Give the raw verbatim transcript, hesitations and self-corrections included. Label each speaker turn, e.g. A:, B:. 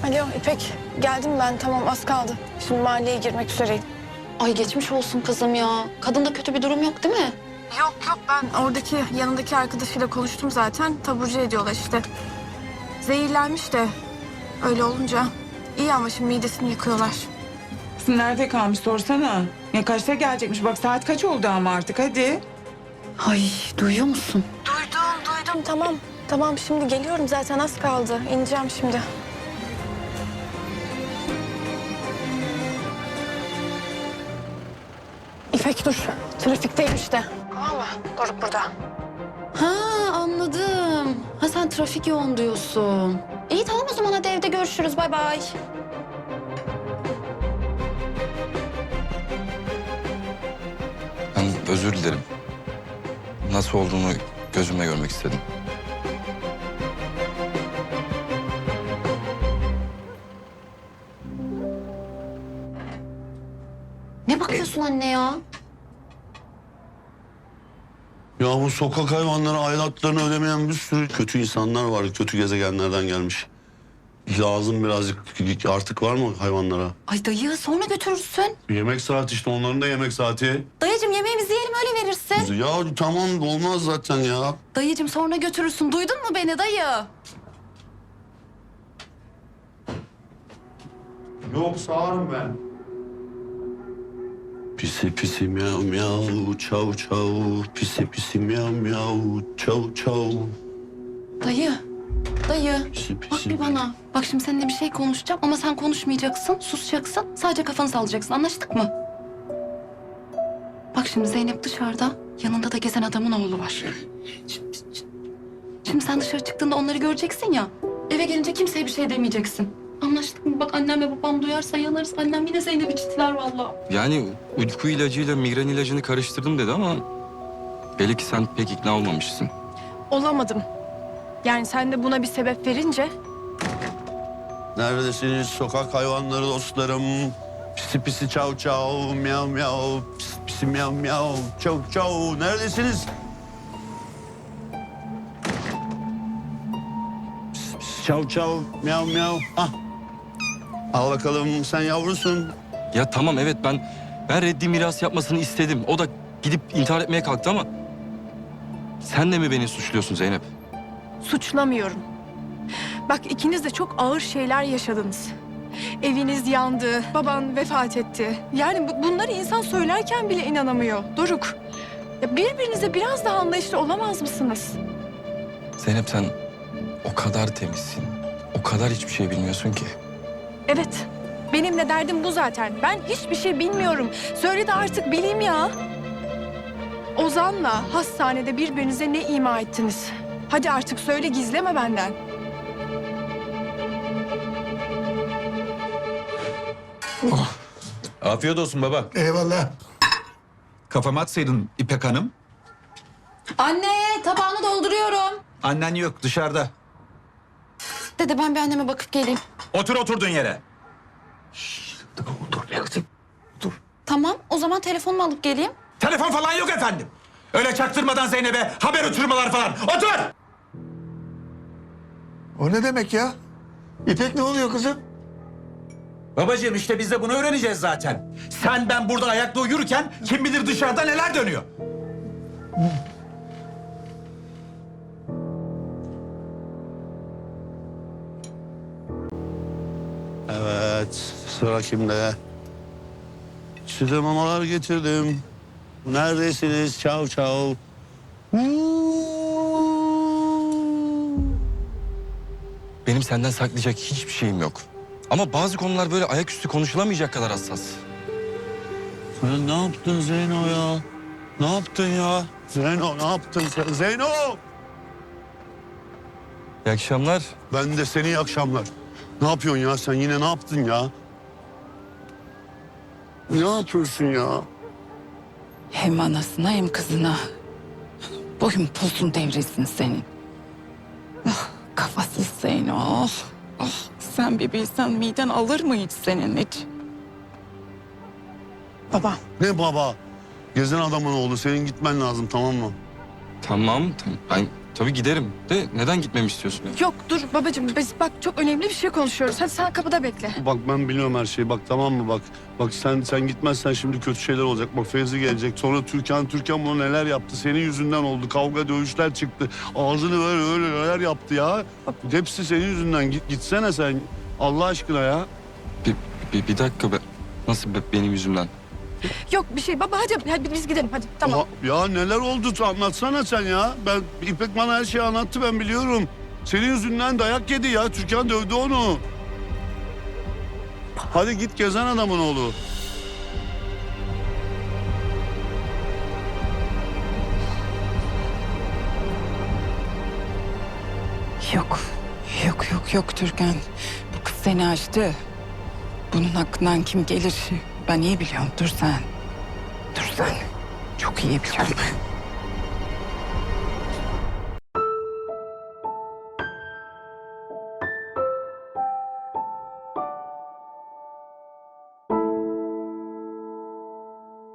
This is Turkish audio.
A: Alo İpek, geldim ben, tamam, az kaldı. Şimdi mahalleye girmek üzereyim.
B: Ay geçmiş olsun kızım ya. Kadında kötü bir durum yok değil mi?
A: Yok yok, ben oradaki yanındaki arkadaşıyla konuştum zaten. Taburcu ediyorlar işte. Zehirlenmiş de öyle olunca iyi ama şimdi midesini yıkıyorlar.
C: Kızım nerede kalmış sorsana. Ya kaçta gelecekmiş? Bak saat kaç oldu ama artık hadi.
B: Ay duyuyor musun?
A: Duydum duydum, tamam. Tamam, şimdi geliyorum zaten, az kaldı. İneceğim şimdi. İpek dur, trafikteyim işte. Tamam mı? Doruk burada.
B: Ha anladım. Ha sen trafik yoğun diyorsun. İyi tamam o zaman hadi evde görüşürüz. Bay bay.
D: Ben özür dilerim. Nasıl olduğunu gözümle görmek istedim.
B: Ne bakıyorsun anne ya?
E: Ya bu sokak hayvanları aidatlarını ödemeyen bir sürü kötü insanlar var. Kötü gezegenlerden gelmiş. Lazım birazcık artık var mı hayvanlara?
B: Ay dayı sonra götürürsün.
E: Yemek saati işte onların da yemek saati.
B: Dayıcığım yemeğimizi yiyelim öyle verirsin.
E: Ya tamam olmaz zaten ya.
B: Dayıcığım sonra götürürsün. Duydun mu beni dayı?
E: Yok sağırım ben. Pisi pisi miyav miyav çav çav. Pisi pisi miyav miyav çav çav.
B: Dayı. Dayı.
E: Pisi
B: Bak
E: pisi.
B: bir bana. Bak şimdi seninle bir şey konuşacağım ama sen konuşmayacaksın, susacaksın. Sadece kafanı sallayacaksın. Anlaştık mı? Bak şimdi Zeynep dışarıda. Yanında da gezen adamın oğlu var. Şimdi, şimdi sen dışarı çıktığında onları göreceksin ya. Eve gelince kimseye bir şey demeyeceksin. Anlaştık mı? Bak annem ve babam duyarsa yanarız. Annem yine Zeynep'i çitiler vallahi.
D: Yani uyku ilacıyla migren ilacını karıştırdım dedi ama... belli ki sen pek ikna olmamışsın.
A: Olamadım. Yani sen de buna bir sebep verince...
E: Neredesiniz sokak hayvanları dostlarım? Pisi pisi çav çav miyav miyav. Pisi pisi miyav miyav çav çav. Neredesiniz? Pisi pisi çav çav miyav miyav. Ah. Al bakalım sen yavrusun.
D: Ya tamam evet ben... ben reddi miras yapmasını istedim. O da gidip intihar etmeye kalktı ama... sen de mi beni suçluyorsun Zeynep?
A: Suçlamıyorum. Bak ikiniz de çok ağır şeyler yaşadınız. Eviniz yandı, baban vefat etti. Yani bu- bunları insan söylerken bile inanamıyor. Doruk, ya birbirinize biraz daha anlayışlı olamaz mısınız?
D: Zeynep sen o kadar temizsin. O kadar hiçbir şey bilmiyorsun ki.
A: Evet, benim de derdim bu zaten. Ben hiçbir şey bilmiyorum. Söyle de artık bileyim ya. Ozan'la hastanede birbirinize ne ima ettiniz? Hadi artık söyle, gizleme benden.
F: Afiyet olsun baba.
G: Eyvallah.
F: Kafama atsaydın İpek Hanım.
B: Anne tabağını dolduruyorum.
F: Annen yok dışarıda.
B: Dede ben bir anneme bakıp geleyim.
F: Otur oturduğun yere.
B: Tamam o zaman telefonumu alıp geleyim.
F: Telefon falan yok efendim. Öyle çaktırmadan Zeynep'e haber uçurmalar falan. Otur!
G: O ne demek ya? İpek ne oluyor kızım?
F: Babacığım işte biz de bunu öğreneceğiz zaten. Sen ben burada ayakta uyurken kim bilir dışarıda neler dönüyor.
E: Evet sıra kimde? Size mamalar getirdim. Neredesiniz çav çav?
D: Benim senden saklayacak hiçbir şeyim yok. Ama bazı konular böyle ayaküstü konuşulamayacak kadar hassas.
E: Sen ne yaptın Zeyno ya? Ne yaptın ya? Zeyno ne yaptın sen? Zeyno!
D: İyi akşamlar.
E: Ben de seni iyi akşamlar. Ne yapıyorsun ya sen yine ne yaptın ya? Ne yapıyorsun ya?
C: Hem anasına hem kızına. Boyun posun devresin senin. Ah, kafasız Zeyno. Ah, ah, sen bir bilsen miden alır mı hiç senin hiç?
A: Baba,
E: Ne baba? Gezen adamın oğlu senin gitmen lazım tamam mı?
D: Tamam, tamam. Ben tabii giderim. De neden gitmemi istiyorsun? Yani?
A: Yok dur babacığım biz bak çok önemli bir şey konuşuyoruz. Hadi sen kapıda bekle.
E: Bak ben biliyorum her şeyi. Bak tamam mı bak. Bak sen sen gitmezsen şimdi kötü şeyler olacak. Bak Fevzi gelecek. Sonra Türkan Türkan buna neler yaptı. Senin yüzünden oldu. Kavga dövüşler çıktı. Ağzını böyle öyle neler yaptı ya. Hepsi senin yüzünden. Git, gitsene sen. Allah aşkına ya.
D: Bir, bir, bir dakika be. Nasıl be- benim yüzümden?
A: Yok bir şey baba hadi, hadi biz gidelim hadi tamam.
E: Oha, ya neler oldu anlatsana sen ya. Ben İpek bana her şeyi anlattı ben biliyorum. Senin yüzünden dayak yedi ya. Türkan dövdü onu. Hadi git gezen adamın oğlu.
C: Yok. Yok yok yok Türkan. Bu kız seni açtı. Bunun hakkından kim gelir ben iyi biliyorum. Dur sen. Dur sen. Çok iyi biliyorum.